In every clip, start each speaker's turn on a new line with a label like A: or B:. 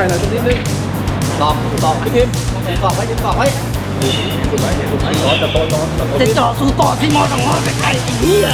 A: หน่อยตรงนี้นึงตอบพี่พิมตอบไว้ตอบไว้ถูกไหมร้อนจะโตร้อนจะเจาะสู่ต่อที่มอสองร้อยไปไกลไอ้เหี้ย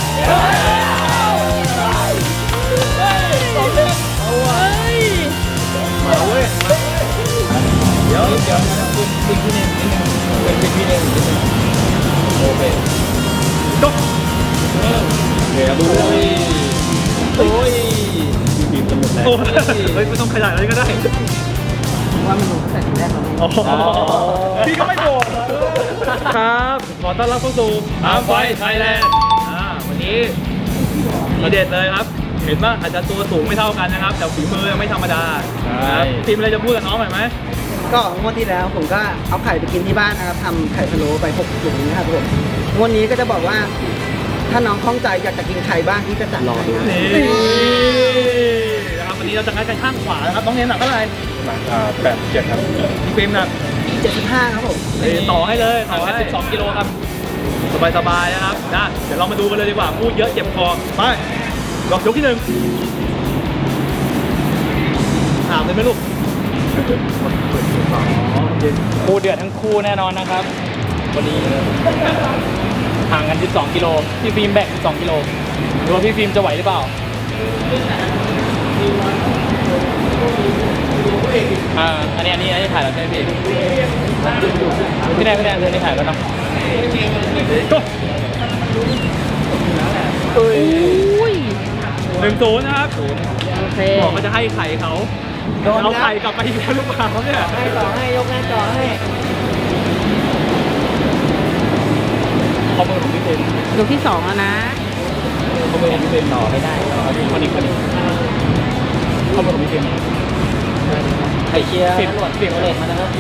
A: มาเว้ยเดี๋ยวขึ้นที่นี่เป็นที่นี่โอเคจบเดี๋ยวดูโอ้ยบีบจนหมดแล้วเฮ้ยไม่ต้องขยายอะไรก็ได้ว่ามันลงตั้งแต่ทีแรกแล้วพี่ก็ไม่โกรธครับขอต้อนรับเข้าสู่อาร์มไฟไทยแลนด์วันนี้ทีเด็ดเลยครับเห็นว่าอาจจะตัวสูงไม่เท่ากันนะครับแต่ฝีมือไม่ธรรมดาทีมอะไรจะพูดกับน้องหน่อยไหม
B: ก็งวดที่แล้วผมก็เอาไข่ไปกินที่บ้านนะครับทำไข่พะโล้ไป6ถุงนะครับผมงวดนี้ก็จะบอกว่าถ้าน้องคล่องใจอยากจะกินไข่บ้างที่จะจัดรอดู
A: นี่นะครับวันนี้เราจะงัดกันข้างขวานะครับน้องเนมหนักเท่าไหร่87ครับพี่เฟรมหนัก
B: 75ครับผม
A: ต่อให้เลยต่อให้12 กิโลครับสบายๆนะครับนะเดี๋ยวเรามาดูกันเลยดีกว่าพูดเยอะเจ็บคอไปยกที่1ถามเลยไหมลูก
C: คู่เดือดทั้งคู่แน่นอนนะครับวันนี้ห่างกัน12 กิโลพี่ฟิล์มแบก12 กิโลดูว่าพี่ฟิล์มจะไหวหรือเปล่าอันนี้ถ่ายแล้วใช่ไหมพี่แดนเรื่องนี้ถ่ายแล้วเนาะ
A: 1-0นะครับบอกว่าจะให้ไข่เขาเอาไข่กลับไปอีกแล้วลูกค้าเขาเนี่ย
B: ให้ต่อให้ยกหน้าจอให้
C: ข้อมือของพี่เป็น
B: ยกที่2แล้วนะ
C: ข้อมือของพี่เป็นต่อไม่ได้คนนี้ข้อมือของพี่เป็น
B: ไข่เชียร์ตำรวจเปลี่ยนเลนมานะครับ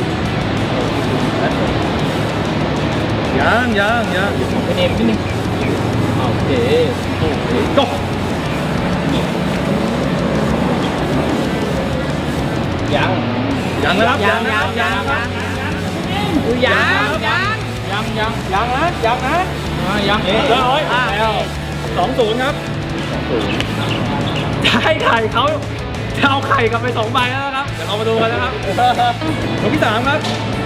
A: ยัง
C: เป็นเอ็มนิดนึง
A: โอเคก็ยังนะครับยังนะยังนะเลยแล้ว2-0ครับให้ไข่เขาจะเอาไข่กลับไป2 ใบแล้วนะครับเดี๋ยวเรามาดูกันนะครับยกที่ 3ครับ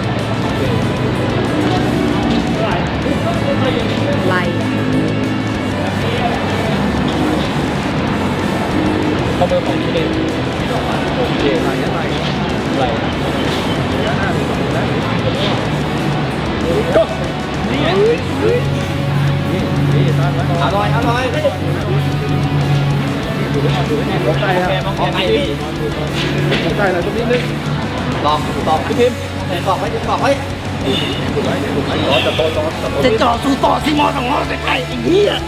B: ไล่
C: ข้อมือของพี่เล่น
A: โอเคไล่ก็นี่ตั้งไว้อร่อยยกไก่ครับไก่พี่ไก่หน่อยตรงนี้นึงตอบพี่พิมตอบไว้ร้อนจะโต
B: จะเจาะสู่ต่อที่มอสองร้อยไปไกลไอ้เหี้ย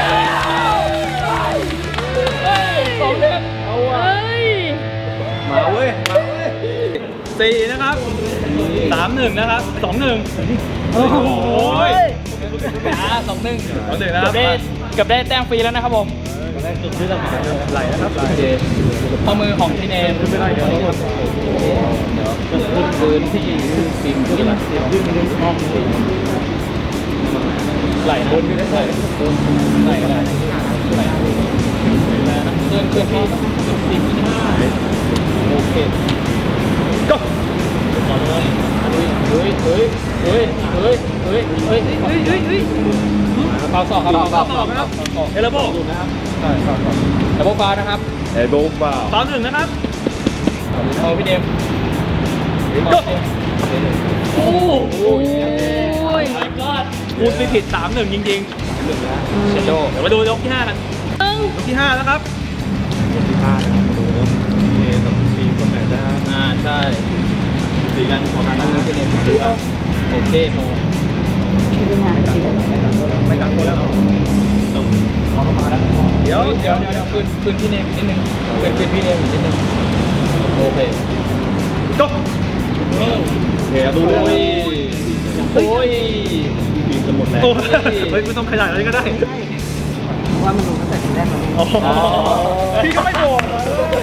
A: มาเว้ย4นะครับ3-1นะครับ2-1โอ้โห
C: 2-1นะครับกับได้แต้มฟรีแล้วนะครับผม
A: ไหลนะครับ
C: ข้อมือของพี่เนม
A: ไม่ได้เดี๋ยว
C: พื้นที่ฟิล์มที่ห้องไหลบนไหลเคลื่อนที่ฟิล์มที่โอเค
A: ก็
C: เฮ้ยเบาสอกครับ
A: เอลโบ
C: นะครับเอลโบฟาวนะครับ
A: เอลโบฟาว1นะครับ
C: เอาพี่เดม
A: ก็โอ้
B: ย
A: พูดไม่ผิด3-1จริง
C: เชโด
A: เดี๋ยวมาดูยกที่5กันยกที่5แล้วครับ
C: ยกที่5นะครับมาดูกับทีมคนไหนนะ
A: ใช่สีกันของทางนั้นพี่เดม
C: โอเคโม
A: ไม่กังวลแล้วเขามาแล้วเดี๋ยว
C: คืนพี่เนมนิดนึงคืนพี่เนมนิดนึงโอเค
A: ก็เดี๋ยวดูเลยบีบจนหมดแล้วเฮ้ยไม่ต้องขยายอะไรก็ได้
B: ว่ามันลงตั้งแต่ทีแรกแล้ว
A: พี่ก็ไม่โกรธ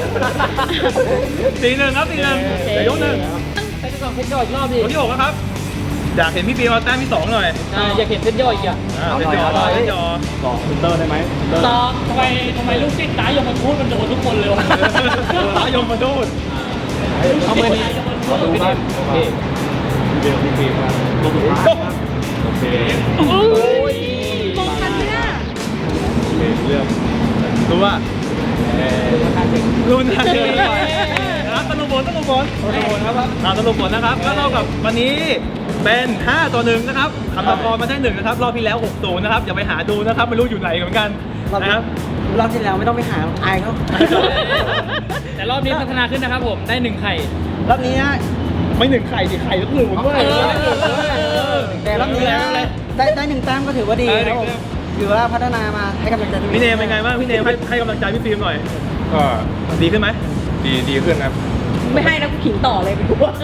A: 4-1ครับ4-1เดี๋ยวยก1
B: ไปที่2เพชรย่อยอีกรอบดิ
A: ยกที่6ครับอยากเห็นพี่ปีมาแต้มที่2หน่อย
C: อยากเห็นเพชรย่อยอีกอ่ะ
A: เพชรย่อต่อฟิลเตอร์ได้ไหม
C: ต่อทำไมลูกศิษย์ตายยมมาทูดมันโดนทุกคนเลยวะ
A: ตายยมมาทูด
C: เอามือนี้
A: ขอดูครับโอเคเดี๋ยวพี่ฟิล์มครับโอเค
C: โอ้ย
D: มองทันไหมอ่ะ
A: โอเคเรื่อง
C: รู้ว่า
A: รุ่นน่าเจอนะครับสรุปผลครับสรุปผลนะครับก็เท่ากับวันนี้เป็น5-1นะครับคำตอบมาได้1นะครับรอบที่แล้ว6-0นะครับอย่าไปหาดูนะครับไม่รู้อยู่ไหนเหมือนกันนะครับ
B: รอบที่แล้วไม่ต้องไปหาอายเขา
C: แต่รอบนี้พัฒนาขึ้นนะครับผมได้1ไข่
B: รอบนี้นะ
A: ไม่1ไข่ดิไข่ทุกหนึ่งด้วย
B: แต่รอบนี้นะได้1แต้มก็ถือว่าดีครับผมถือว่าพัฒนามาให้กำลังใจตัวอง
A: พี่เนมเป็นไงบ้างพี่เนมให้กำลังใจพี่ฟิล์มหน่อย
E: ก็
A: ดีขึ้นไหม
E: ดีขึ้นครับ
D: ไม่ให้นะกูขิงต่อเลยไปดูว่า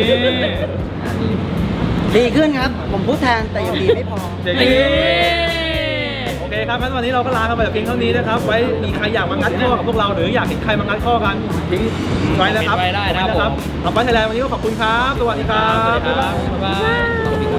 B: ดีขึ้นครับ ผมพูดแทนแต่ยังดีไม่พอ
A: เด็กโอเคครับงั้นวันนี้เราก็ลากันไปแต่เพียงเท่านี้นะครับ ไว้มีใครอยากมางัดข้อกับพวกเราหรืออยากเห็นใครมางัดข้อกันทิ้งไว้นะครับ
C: ไว้ได้นะครับผม
A: ต่อไปไทยแลนด์วันนี้ก็ขอบคุณครับ สวัสดีครับ
C: บ๊ายบาย